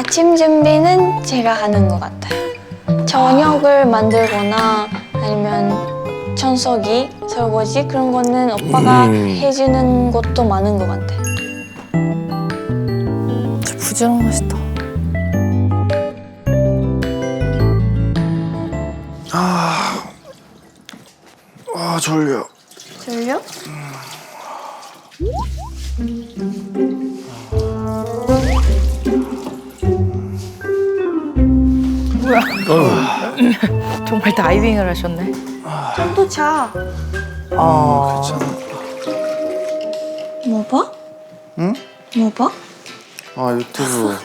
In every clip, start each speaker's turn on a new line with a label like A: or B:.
A: 아침 준비는 제가 하는 것 같아요. 저녁을 만들거나 아니면 청소기, 설거지 그런 거는 오빠가 해주는 것도 많은 것 같아요.
B: 진짜 부지런하시다.
C: 졸려.
A: 졸려?
B: 정말 다이빙을 하셨네.
A: 좀 더 자.
C: 괜찮아.
A: 뭐 봐?
C: 응?
A: 뭐 봐?
C: 아, 유튜브.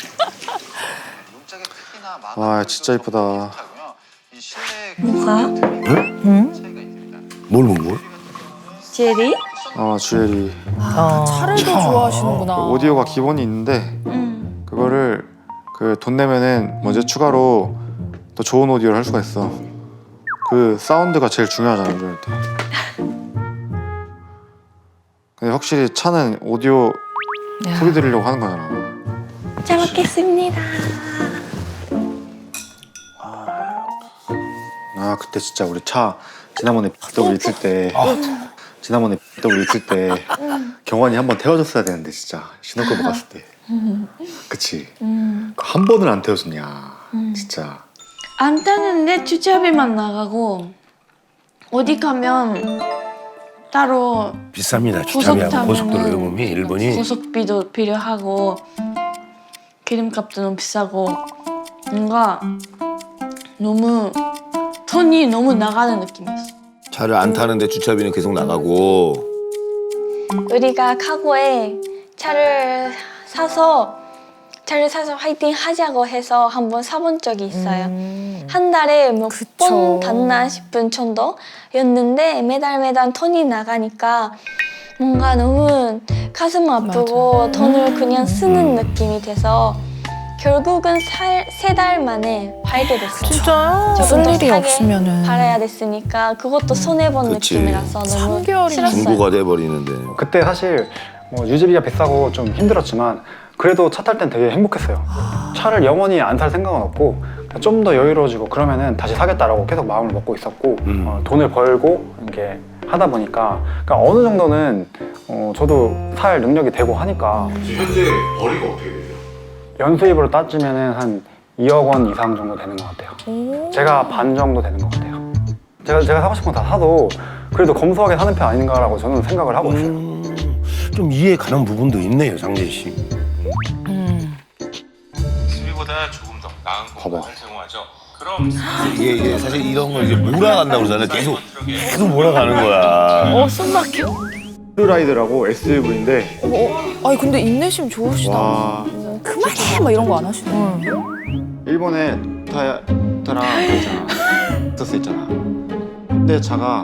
C: 와, 진짜 이쁘다.
A: 뭐가?
D: 뭘?
A: 제리?
C: 아, 주엘이.
B: 차를 더 좋아하시는구나.
C: 그 오디오가 기본이 있는데 그거를 그 돈 내면은 먼저 추가로 더 좋은 오디오를 할 수가 있어. 그 사운드가 제일 중요하잖아, 운전할 때. 근데 확실히 차는 오디오 소리 들으려고 하는 거잖아.
A: 잘 먹겠습니다.
C: 아, 그때 진짜 우리 차 지난번에 BMW 있을 때 지난번에 BMW 있을 때 경환이 한번 태워줬어야 되는데 진짜 신혼여행 갔을 때. 그치? 한 번을 안 태워줬냐 진짜.
A: 안 타는데 주차비만 나가고 어디 가면 따로
D: 비쌉니다.
A: 고속
D: 주차비하고 고속도로
A: 타면은
D: 요금이 일본이.
A: 고속비도 필요하고 기름값도 너무 비싸고 뭔가 너무 돈이 너무 나가는 느낌이었어.
D: 차를 안 타는데 주차비는 계속 나가고.
A: 우리가 카고에 차를 사서 화이팅 하자고 해서 한번 사본 적이 있어요. 한 달에 몇 번 탔나 싶은 정도였는데 매달 돈이 나가니까 뭔가 너무 가슴 아프고 돈을 그냥 쓰는 느낌이 돼서 결국은 3달 만에 팔게 됐어요.
B: 진짜요?
A: 조금 더
B: 쓸 일이
A: 싸게
B: 없으면은.
A: 팔아야 됐으니까 그것도 손해본
D: 그치.
A: 느낌이라서 너무
B: 3개월이나
A: 싫었어요.
D: 중고가 돼버리는데.
E: 그때 사실 뭐 유지비가 비싸고 좀 힘들었지만 그래도 차 탈 땐 되게 행복했어요. 차를 영원히 안 탈 생각은 없고 좀 더 여유로워지고 그러면은 다시 사겠다라고 계속 마음을 먹고 있었고 돈을 벌고 이렇게 하다 보니까 그러니까 어느 정도는 저도 살 능력이 되고 하니까.
D: 현재 벌이가 어떻게 되세요?
E: 연수입으로 따지면은 한 2억 원 이상 정도 되는 것 같아요. 제가 반 정도 되는 것 같아요. 제가 사고 싶은 거 다 사도 그래도 검소하게 사는 편 아닌가라고 저는 생각을 하고 있어요.
D: 좀 이해 가는 부분도 있네요, 장재 씨.
F: 수비보다 조금 더 나은 공간을 제공하죠. 그럼
D: 이게 사실 이런 걸 이제 몰아간다고 그러잖아요. 계속 몰아가는 거야.
B: 숨 막혀.
C: 푸르라이드라고 SUV인데
B: 아니 근데 인내심 좋으시다.
C: 와,
B: 그만해 막 이런 거 안 하시네.
C: 일본에 토요타랑 있잖아. 텍사스 있잖아. 근데 차가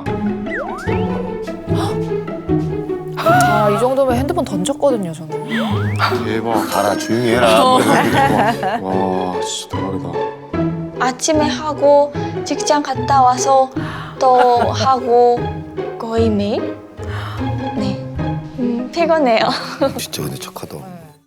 B: 이 정도면 핸드폰 던졌거든요 저는.
C: 대박.
D: 가라, 조용히 해라.
C: 와, 진짜 대박이다.
A: 아침에 하고 직장 갔다 와서 또 하고 거의 매일? 네. 피곤해요.
D: 진짜 근데 착하다.